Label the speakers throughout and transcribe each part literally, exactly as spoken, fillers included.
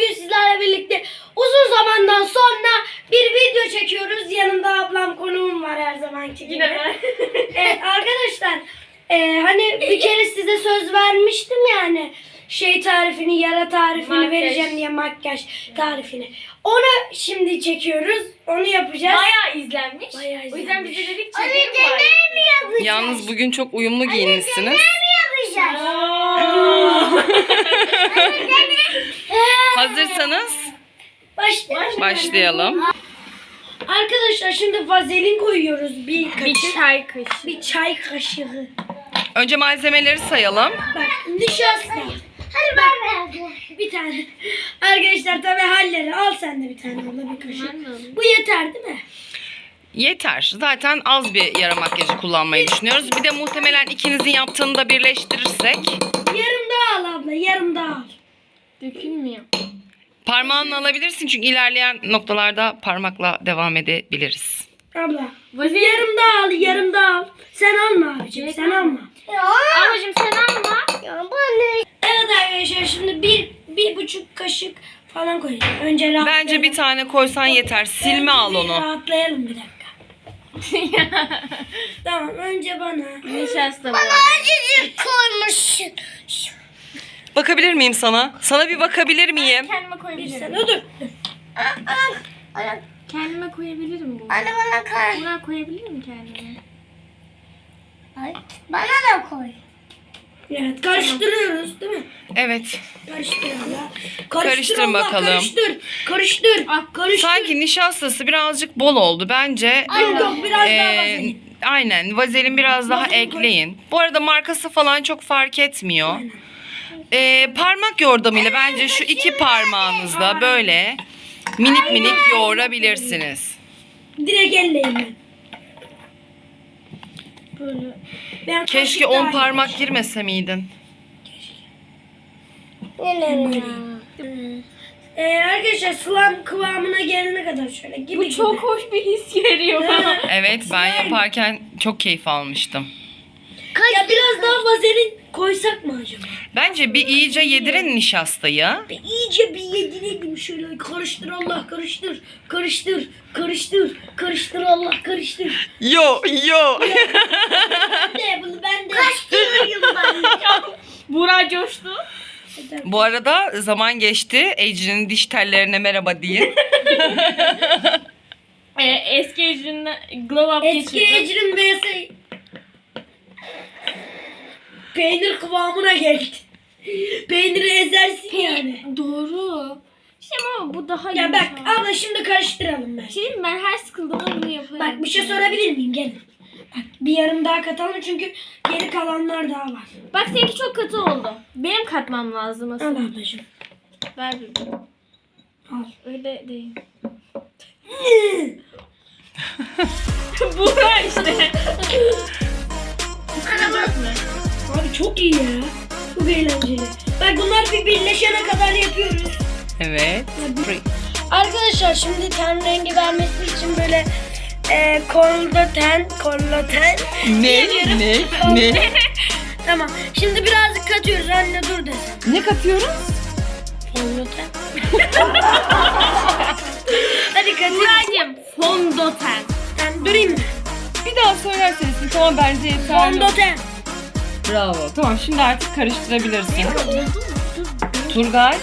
Speaker 1: bugün sizlerle birlikte uzun zamandan sonra bir video çekiyoruz. Yanımda ablam, konuğum var her zamanki gibi.
Speaker 2: Yine ben.
Speaker 1: Evet arkadaşlar, e, hani bir kere size söz vermiştim yani şey tarifini, yara tarifini
Speaker 2: Makyaj.
Speaker 1: vereceğim diye, makyaj tarifini. Onu şimdi çekiyoruz. Onu yapacağız.
Speaker 2: Bayağı izlenmiş.
Speaker 1: Bayağı
Speaker 2: O yüzden biz de
Speaker 1: izlenmiş.
Speaker 2: dedik çekelim bari.
Speaker 1: mi yapacağız?
Speaker 3: Yalnız bugün çok uyumlu giyinmişsiniz.
Speaker 1: yapacağız?
Speaker 3: Hazırsanız
Speaker 1: Başlayalım.
Speaker 3: başlayalım.
Speaker 1: Arkadaşlar şimdi vazelin koyuyoruz bir kaşık.
Speaker 2: Bir çay kaşığı.
Speaker 1: Bir çay kaşığı.
Speaker 3: Önce malzemeleri sayalım.
Speaker 1: Bak nişasta. Hadi ben bir tane. Arkadaşlar tabii halleri. Al sen de bir tane abla, bir kaşık.
Speaker 2: Ben de alayım.
Speaker 1: Bu yeter değil mi?
Speaker 3: Yeter. Zaten az bir yara makyajı kullanmayı düşünüyoruz. Bir de muhtemelen ikinizin yaptığını da birleştirirsek.
Speaker 1: Yarım daha al abla, yarım daha al.
Speaker 2: Dökülmüyor.
Speaker 3: Parmağınla alabilirsin çünkü ilerleyen noktalarda parmakla devam edebiliriz.
Speaker 1: Abla.
Speaker 2: Vazelin.
Speaker 1: Yarım daha al, yarım daha al. Sen alma abicim, sen alma.
Speaker 2: Ablacığım sen alma.
Speaker 1: Evet arkadaşlar şimdi bir, bir buçuk kaşık falan koyacağım. Önce rahatlayalım.
Speaker 3: Bence bir tane koysan yeter. Silme al
Speaker 1: Bir
Speaker 3: onu.
Speaker 1: Rahatlayalım bir dakika. Tamam, önce bana.
Speaker 2: Nişasta bu.
Speaker 1: Acıcık koymuşsun.
Speaker 3: Bakabilir miyim sana? Sana bir bakabilir miyim?
Speaker 2: Kendime
Speaker 1: Bir
Speaker 2: koyabilirim.
Speaker 1: sen dur.
Speaker 2: Kendime koyabilirim bu.
Speaker 1: Anne bana koy.
Speaker 2: Buna koyabilirim kendime.
Speaker 1: Bana da koy. Evet, karıştırıyoruz değil mi?
Speaker 3: Evet.
Speaker 1: Karıştır abla.
Speaker 3: Karıştır
Speaker 1: abla,
Speaker 3: bakalım.
Speaker 1: Karıştır. Karıştır.
Speaker 2: Ah,
Speaker 1: Karıştır.
Speaker 3: Sanki nişastası birazcık bol oldu. Bence
Speaker 1: Yok yok, biraz daha
Speaker 3: Ee,
Speaker 1: vazelin.
Speaker 3: aynen vazelin biraz daha
Speaker 1: Vazelin koy.
Speaker 3: ekleyin. Bu arada markası falan çok fark etmiyor. Ee, parmak yordamıyla bence şu iki parmağınızla böyle minik minik yoğurabilirsiniz.
Speaker 1: Direkt elleyin ben.
Speaker 2: Böyle.
Speaker 1: Ben
Speaker 3: Keşke on parmak girmese miydin?
Speaker 1: Ee, arkadaşlar sılam kıvamına gelene kadar şöyle gibi
Speaker 2: Bu
Speaker 1: gibi.
Speaker 2: çok hoş bir his veriyor bana.
Speaker 3: Evet, ben yaparken çok keyif almıştım.
Speaker 1: Ya biraz daha vazelin koysak mı acaba?
Speaker 3: Bence bir iyice yedirin nişastayı.
Speaker 1: Bir iyice bir yedirelim şöyle, karıştır Allah, karıştır, karıştır, karıştır, karıştır Allah, karıştır.
Speaker 3: Yo yo.
Speaker 1: Ben de bunu ben de. Karıştırıyorum ben.
Speaker 2: Buğra coştu.
Speaker 3: Bu arada zaman geçti. Ecrin'in diş tellerine merhaba deyin.
Speaker 2: Ee, eski ecrinle glow up
Speaker 1: Eski
Speaker 2: geçirdim.
Speaker 1: ecrin vs peynir kıvamına geldi. Peyniri ezersin yani.
Speaker 2: Doğru. İşte ama bu daha
Speaker 1: Ya bak
Speaker 2: yumuşak.
Speaker 1: abla şimdi karıştıralım ben.
Speaker 2: Şey diyeyim mi? Ben her sıkıldığımda bunu yaparım.
Speaker 1: Bak bir şey sorabilir miyim? Gelin. Bak bir yarım daha katalım çünkü geri kalanlar daha var.
Speaker 2: Bak seninki çok katı oldu. Benim katmam lazım
Speaker 1: Al
Speaker 2: aslında.
Speaker 1: ablacığım.
Speaker 2: Ver bir.
Speaker 1: Al.
Speaker 2: Öyle değil. Buğra işte. Sıkılacak mı?
Speaker 1: Abi çok iyi ya. Çok eğlenceli. Bak bunlar bir birleşene kadar yapıyoruz.
Speaker 3: Evet.
Speaker 1: Arkadaşlar şimdi ten rengi vermesi için böyle e, fondöten, fondöten.
Speaker 3: Ne? Ne? Ne?
Speaker 1: Tamam. Şimdi birazcık katıyoruz. Anne dur desem.
Speaker 3: Ne katıyoruz?
Speaker 1: Fondöten. Hadi katıyoruz.
Speaker 2: Buğra'cığım fondöten.
Speaker 1: Ben durayım mı?
Speaker 3: Bir daha söylerseniz tamam bence yeterli.
Speaker 1: Fondöten.
Speaker 3: Bravo. Tamam şimdi artık karıştırabilirsin. Turgay.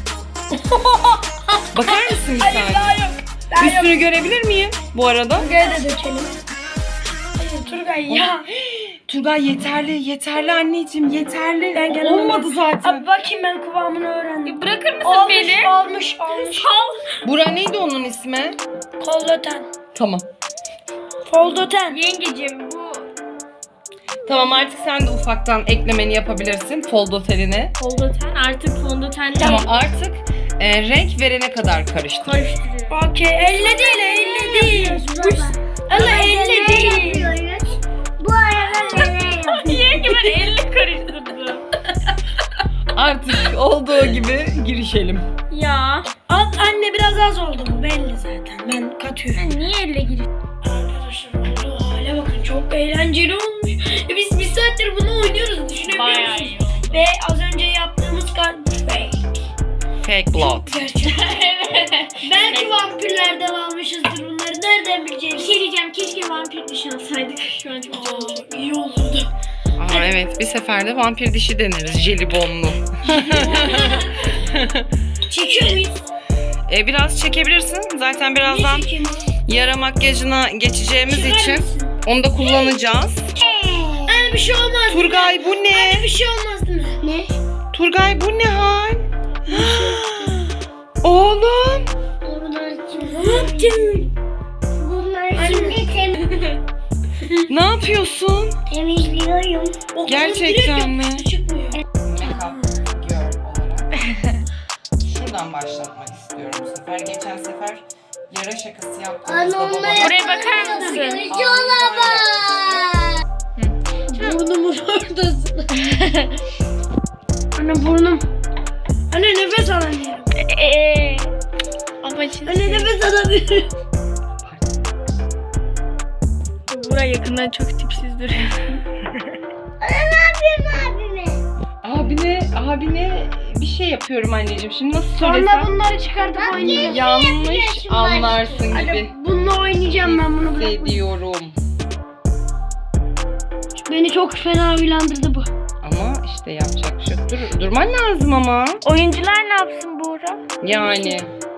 Speaker 3: Bakar mısın bir
Speaker 1: Hayır
Speaker 3: saniye?
Speaker 1: daha yok. Daha yok.
Speaker 3: Üstünü görebilir miyim bu arada?
Speaker 1: Turgay'a da dökelim. Hayır Turgay ya.
Speaker 3: Turgay yeterli, yeterli anneciğim, yeterli.
Speaker 1: Ben gene
Speaker 3: Olmadı
Speaker 1: olmaz.
Speaker 3: zaten.
Speaker 1: Abi bakayım ben kıvamını öğrendim.
Speaker 2: Bırakır mısın
Speaker 1: Olmuş,
Speaker 2: beni?
Speaker 1: olmuş, olmuş.
Speaker 2: Al.
Speaker 3: Bura neydi onun ismi?
Speaker 1: Fondöten.
Speaker 3: Tamam.
Speaker 1: Fondöten.
Speaker 2: Yengeciğim bu
Speaker 3: Tamam artık sen de ufaktan eklemeni yapabilirsin fondötenine.
Speaker 2: fondöten artık fondöten değil.
Speaker 3: Tamam artık e, renk verene kadar karıştır.
Speaker 2: Karıştırıyorum.
Speaker 1: Okey. Elle değil, elle değil. Allah elle değil.
Speaker 4: Bu arada neler yapıyoruz?
Speaker 2: Yenge ben elle karıştırdım.
Speaker 3: Artık olduğu gibi girişelim.
Speaker 2: Ya.
Speaker 1: Al anne biraz az oldu bu belli zaten. Ben katıyorum.
Speaker 2: Sen niye elle giriyorsun?
Speaker 1: Arkadaşlar oldu hale bakın çok eğlenceli olmuş. E biz bir saattir bunu oynuyoruz düşünebiliyor
Speaker 2: Bayağı
Speaker 1: musunuz?
Speaker 2: iyi oldu.
Speaker 1: Ve az önce yaptığımız kart fake.
Speaker 3: Fake blood.
Speaker 1: Belki vampirlerden almışızdır bunları. Nereden
Speaker 2: Bir
Speaker 1: bileceğiz?
Speaker 2: şey diyeceğim. Keşke vampir dişi alsaydık. Şu an çok canım çekti.
Speaker 1: İyi olurdu.
Speaker 3: Aa, evet bir seferde vampir dişi deneriz jelibonlu.
Speaker 1: Çekiyor muyuz?
Speaker 3: E, biraz çekebilirsin. Zaten birazdan
Speaker 1: Ne çekeyim?
Speaker 3: yara makyajına geçeceğimiz
Speaker 1: Çıkar
Speaker 3: için
Speaker 1: mısın?
Speaker 3: onu da kullanacağız.
Speaker 1: Anne bir şey olmaz.
Speaker 3: Turgay bu ne?
Speaker 1: Bir şey olmaz değil mi? Ne?
Speaker 3: Turgay bu ne hal? Oğlum.
Speaker 4: Bunlar şimdi.
Speaker 1: Ne yaptın?
Speaker 4: Bunlar şimdi tem
Speaker 3: Ne yapıyorsun?
Speaker 4: temizliyorum.
Speaker 1: O
Speaker 3: Gerçekten mi?
Speaker 1: Çıkmıyor.
Speaker 3: Şuradan başlatmak istiyorum bu sefer. Geçen sefer yara şakası
Speaker 4: Anne
Speaker 3: yaptığımızda
Speaker 4: onları
Speaker 3: babam...
Speaker 2: Buraya bakar mısın?
Speaker 4: Yola
Speaker 1: Burnumun oradasın. Anne burnum. Anne nefes alamıyorum.
Speaker 2: Eee. Ama şimdi
Speaker 1: Anne nefes alamıyorum.
Speaker 2: Buğra yakından çok tipsiz duruyor.
Speaker 4: Ne yapıyorsun abime?
Speaker 3: Abine, abine bir şey yapıyorum anneciğim. Şimdi nasıl
Speaker 1: Sonra
Speaker 3: söylesem
Speaker 1: bunları çıkartıp oynayacağım.
Speaker 3: yanlış anlarsın gibi
Speaker 1: Anne bununla oynayacağım ben bunu bırakmayacağım.
Speaker 3: hissediyorum.
Speaker 1: Beni çok fena uyandırdı bu.
Speaker 3: Ama işte yapacak bir şey yok. Dur, durman lazım ama.
Speaker 2: Oyuncular ne yapsın Buğra?
Speaker 3: Yani.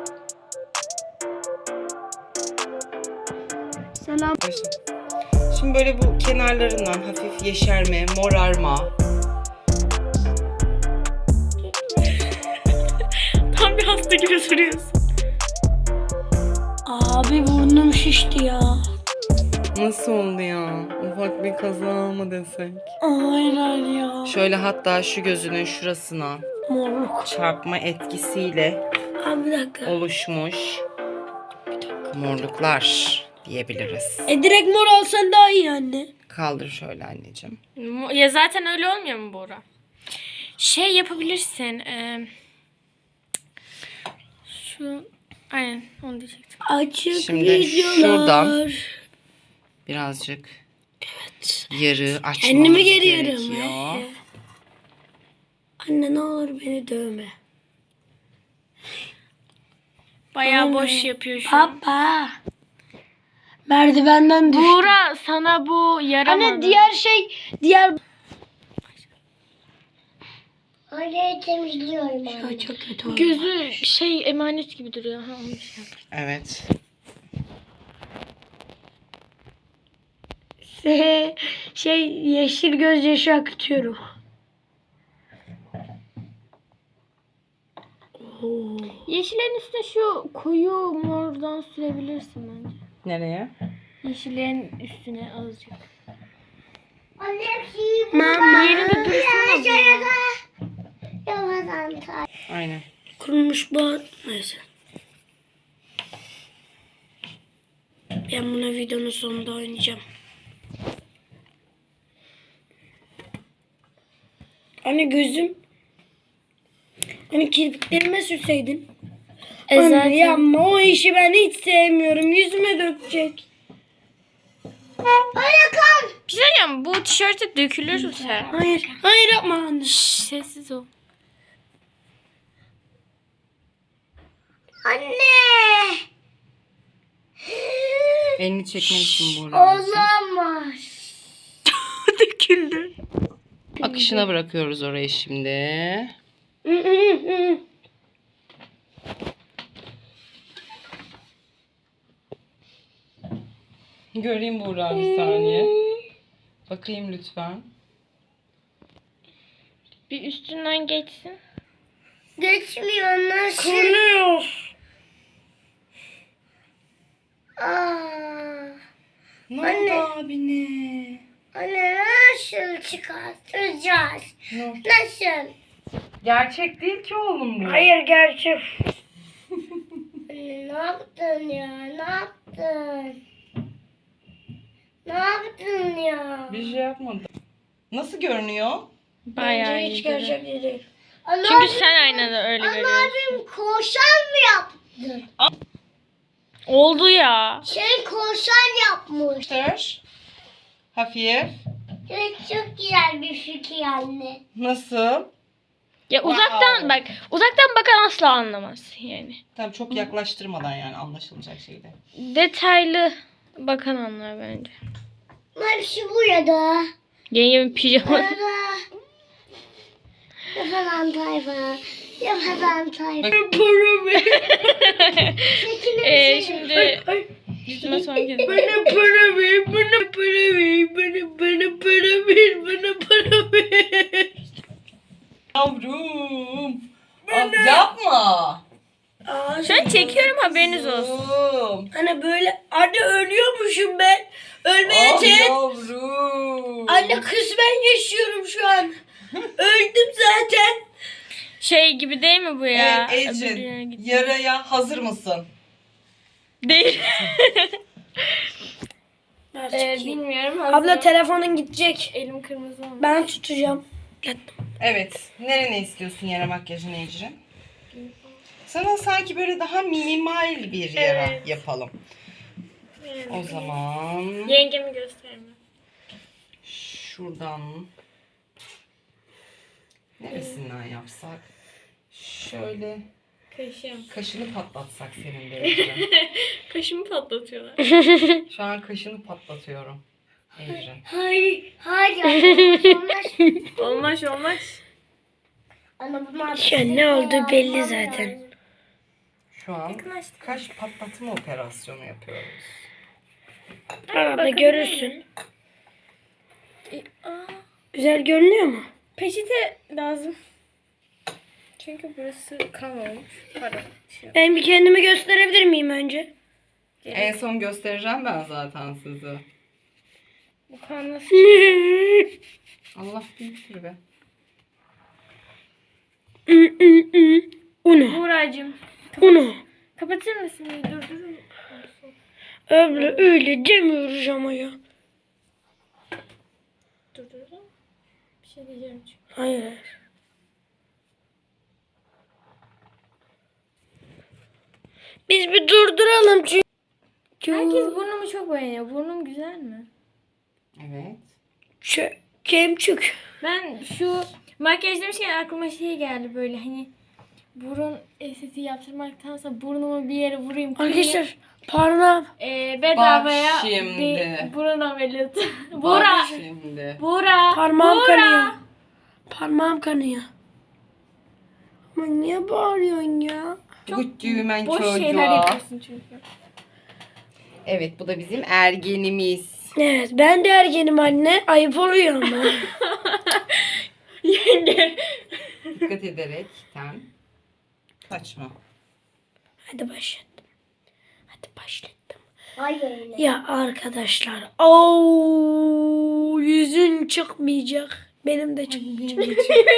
Speaker 1: Selam.
Speaker 3: Şimdi böyle bu kenarlarından hafif yeşerme, morarma.
Speaker 2: Tam bir hasta gibi duruyorsun.
Speaker 1: Abi burnum şişti ya.
Speaker 3: Nasıl oldu ya? Ufak bir kaza mı desek?
Speaker 1: Aynen ya.
Speaker 3: Şöyle hatta şu gözünün şurasına
Speaker 1: Morluk.
Speaker 3: çarpma etkisiyle
Speaker 1: Abi bir dakika.
Speaker 3: oluşmuş morluklar diyebiliriz.
Speaker 1: E direkt mor alsan daha iyi anne.
Speaker 3: Kaldır şöyle anneciğim.
Speaker 2: Ya zaten öyle olmuyor mu Buğra? Şey yapabilirsin. E, şu aynen onu diyecektim.
Speaker 1: Açık
Speaker 3: Şimdi
Speaker 1: videolar.
Speaker 3: şuradan birazcık yarı açmamız
Speaker 1: Kendimi geriyorum.
Speaker 3: gerekiyor.
Speaker 1: Anne ne olur beni dövme.
Speaker 2: Bayağı
Speaker 1: Anne.
Speaker 2: boş yapıyor şu an.
Speaker 1: Papa. Merdivenden düştüm.
Speaker 2: Buğra sana bu yaramadı.
Speaker 1: Anne diğer şey diğer
Speaker 4: Orayı temizliyorum anne.
Speaker 1: Ay, çok kötü oldu.
Speaker 2: Gözü şey emanet gibi duruyor. Ha, onu şey yap.
Speaker 3: Evet.
Speaker 1: şey yeşil gözyaşı akıtıyorum. Oo.
Speaker 2: Yeşillerin üstüne şu koyu mordan sürebilirsin bence.
Speaker 3: Nereye?
Speaker 2: Yeşillerin üstüne azıcık.
Speaker 4: Anne hepsi
Speaker 1: Mama.
Speaker 2: Yerinde dursana Buğra.
Speaker 4: yavaştan tay.
Speaker 3: Aynen.
Speaker 1: Kurumuş bu. Neyse. Ben buna videonun sonunda oynayacağım. Anne gözüm. Hani kirpiklerime sürseydin.
Speaker 2: E
Speaker 1: Anne
Speaker 2: zaten-
Speaker 1: yapma o işi ben hiç sevmiyorum. Yüzüme dökecek.
Speaker 4: Öyle kal.
Speaker 2: Bir şey diyeceğim, bu tişörte dökülürse.
Speaker 1: Hayır. Hayır yapma anne.
Speaker 2: Şşş, sessiz ol.
Speaker 4: Anne.
Speaker 3: Elini çekmelisin buradan.
Speaker 4: Olamaz.
Speaker 2: Döküldü.
Speaker 3: Akışına bırakıyoruz orayı şimdi.
Speaker 1: Hı hı hı.
Speaker 3: Göreyim Buğra bir saniye. Bakayım lütfen.
Speaker 2: Bir üstünden geçsin.
Speaker 4: Geçmiyor nasıl?
Speaker 1: Kuruyor.
Speaker 4: Aa.
Speaker 3: Ne
Speaker 4: Anne.
Speaker 3: oldu abine?
Speaker 4: Anne nasıl çıkartacağız?
Speaker 3: Ne oldu?
Speaker 4: Nasıl?
Speaker 3: Gerçek değil ki oğlum bu.
Speaker 1: Hayır gerçek.
Speaker 4: Anne ne yaptın ya? Ne yaptın? Ne yaptın ya?
Speaker 3: Bir şey yapmadım. Nasıl görünüyor?
Speaker 2: Bayağı
Speaker 1: Bence
Speaker 2: iyi.
Speaker 1: hiç
Speaker 2: duruyor.
Speaker 1: gerçek değil.
Speaker 4: Ana
Speaker 2: Çünkü
Speaker 4: abim-
Speaker 2: sen aynada öyle
Speaker 4: Ana
Speaker 2: görüyorsun.
Speaker 4: abim korsan mı yaptı?
Speaker 2: Oldu ya.
Speaker 4: Şey korsan yapmış.
Speaker 3: Tır. Hafif.
Speaker 4: Evet çok güzel bir fikir anne.
Speaker 3: Nasıl?
Speaker 2: Ya uzaktan
Speaker 3: Wow.
Speaker 2: bak. Uzaktan bakan asla anlamaz yani.
Speaker 3: Tabii çok yaklaştırmadan yani anlaşılacak şeyde.
Speaker 2: Detaylı bakan anlar bence.
Speaker 4: Hepsi burada.
Speaker 2: Yengemin pijama.
Speaker 4: Burada. Yapadan tayfa. Yapadan tayfa.
Speaker 2: Ee, şimdi yüzüme son kez.
Speaker 1: Bana para ver, bana para ver, bana, bana para ver, bana para ver.
Speaker 3: Yavrum. Al, yapma.
Speaker 1: Aa,
Speaker 2: Şu an çekiyorum, haberiniz olsun.
Speaker 3: Yavrum.
Speaker 1: Hani böyle anne ölüyormuşum ben. Ölmeye
Speaker 3: Ah
Speaker 1: teğet.
Speaker 3: yavrum.
Speaker 1: Anne kısmen yaşıyorum şu an. Öldüm zaten.
Speaker 2: Şey gibi değil mi bu ya?
Speaker 3: Evet
Speaker 2: Öbür yere
Speaker 3: Ecin,
Speaker 2: git-
Speaker 3: yaraya hazır mısın?
Speaker 2: Değil.
Speaker 1: Ver
Speaker 2: Ee,
Speaker 1: çekeyim.
Speaker 2: bilmiyorum.
Speaker 1: Abla
Speaker 2: Abla
Speaker 1: telefonun gidecek.
Speaker 2: elim kırmızı olmuş.
Speaker 1: Ben tutacağım.
Speaker 3: Evet. Nerene istiyorsun yara makyajını Ecrin? Sana sanki böyle daha minimal bir yara
Speaker 2: Evet.
Speaker 3: yapalım. O zaman
Speaker 2: Yengemi gösterme.
Speaker 3: şuradan neresinden yapsak? Şöyle
Speaker 2: Kaşım.
Speaker 3: kaşını patlatsak senin de Ecrin.
Speaker 2: Kaşımı patlatıyorlar.
Speaker 3: Şu an kaşını patlatıyorum Ecrin.
Speaker 4: Hayır. Hayır. Olmaz.
Speaker 2: Olmaz olmaz.
Speaker 4: Ama bunlar
Speaker 1: Şu an ne olduğu belli zaten.
Speaker 3: Şu an kaş patlatma operasyonu yapıyoruz.
Speaker 1: Abla görürsün. Güzel görünüyor mu?
Speaker 2: Peçete lazım. Çünkü burası kan olmuş. Pardon. Şey yok.
Speaker 1: Ben bir kendimi gösterebilir miyim önce?
Speaker 3: En son göstereceğim ben zaten size.
Speaker 2: Bu kan nasıl?
Speaker 3: Allah büyüktür be.
Speaker 1: Uno.
Speaker 2: Buğra'cığım.
Speaker 1: Uno.
Speaker 2: Kapatır mısın? Dur dur.
Speaker 1: Abla öyle demiyoruz ama ya.
Speaker 2: Dur dur. dur. Bir şey diyeceğim çünkü.
Speaker 1: Hayır. Biz bir durduralım çünkü.
Speaker 2: Herkes burnumu çok beğeniyor. Burnum güzel mi?
Speaker 3: Evet.
Speaker 1: Ç- Kemçük.
Speaker 2: Ben şu makyaj demişken aklıma şey geldi böyle hani burun estetiği yaptırmaktansa burnumu bir yere vurayım. kırayım.
Speaker 1: Arkadaşlar parmağım.
Speaker 2: Ee, bedavaya
Speaker 3: Bak şimdi.
Speaker 2: bir burun ameliyatı.
Speaker 3: Bak
Speaker 2: Buğra.
Speaker 3: şimdi.
Speaker 2: Buğra.
Speaker 1: Parmağım
Speaker 2: Buğra.
Speaker 1: kanıyor. Parmağım kanıyor. Ama niye bağırıyorsun ya?
Speaker 3: Bu düğmen
Speaker 2: Boş şeyler
Speaker 3: çocuğa.
Speaker 2: yapıyorsun çünkü.
Speaker 3: Evet bu da bizim ergenimiz.
Speaker 1: Evet ben de ergenim anne. Ayıp oluyor ama.
Speaker 2: Yenge.
Speaker 3: Dikkat ederekten kaçma.
Speaker 1: Hadi başlattım. Hadi başlattım.
Speaker 4: Hayır.
Speaker 1: Ya arkadaşlar. Oo, yüzün çıkmayacak. Benim de çıkmayacak.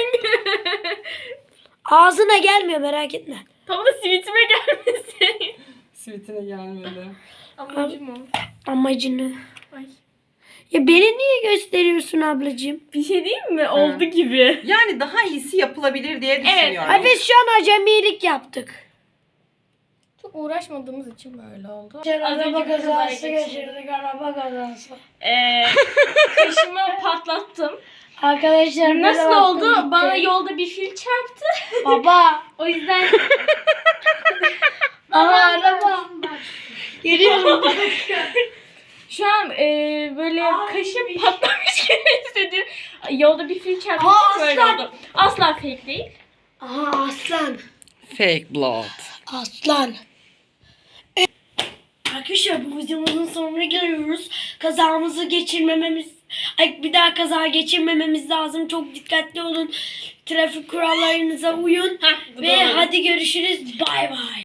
Speaker 1: Ağzına gelmiyor merak etme.
Speaker 2: Tam da sivitime gelmesin.
Speaker 3: Sivitine gelmedi.
Speaker 2: Amacım o.
Speaker 1: Amacını.
Speaker 2: Ay.
Speaker 1: Ya beni niye gösteriyorsun ablacığım?
Speaker 2: Bir şey diyeyim mi? Oldu gibi.
Speaker 3: Yani daha iyisi yapılabilir diye düşünüyorum.
Speaker 1: Ay biz şu an acemilik yaptık.
Speaker 2: Çok uğraşmadığımız için böyle oldu.
Speaker 1: Araba kazası geçirdik araba kazası.
Speaker 2: Ee, kaşımı patlattım.
Speaker 1: Arkadaşlar
Speaker 2: Nasıl
Speaker 1: böyle
Speaker 2: oldu?
Speaker 1: baktım gitti.
Speaker 2: Bana yolda bir fil çarptı.
Speaker 1: Baba.
Speaker 2: O yüzden
Speaker 1: Aha araba. Geliyorum.
Speaker 2: şu an e, böyle kaşım patlamış gibi hissediyorum. Yolda bir fil çarptı.
Speaker 1: Aa,
Speaker 2: Böyle
Speaker 1: aslan.
Speaker 2: oldu. Asla fake değil.
Speaker 1: Aha aslan.
Speaker 3: Fake blood.
Speaker 1: Aslan. Arkadaşlar bu videomuzun sonuna geliyoruz. Kazamızı geçirmememiz, ay bir daha kaza geçirmememiz lazım. Çok dikkatli olun. Trafik kurallarınıza uyun.
Speaker 2: Heh, bu
Speaker 1: Ve
Speaker 2: doğru.
Speaker 1: hadi görüşürüz. Bay bay.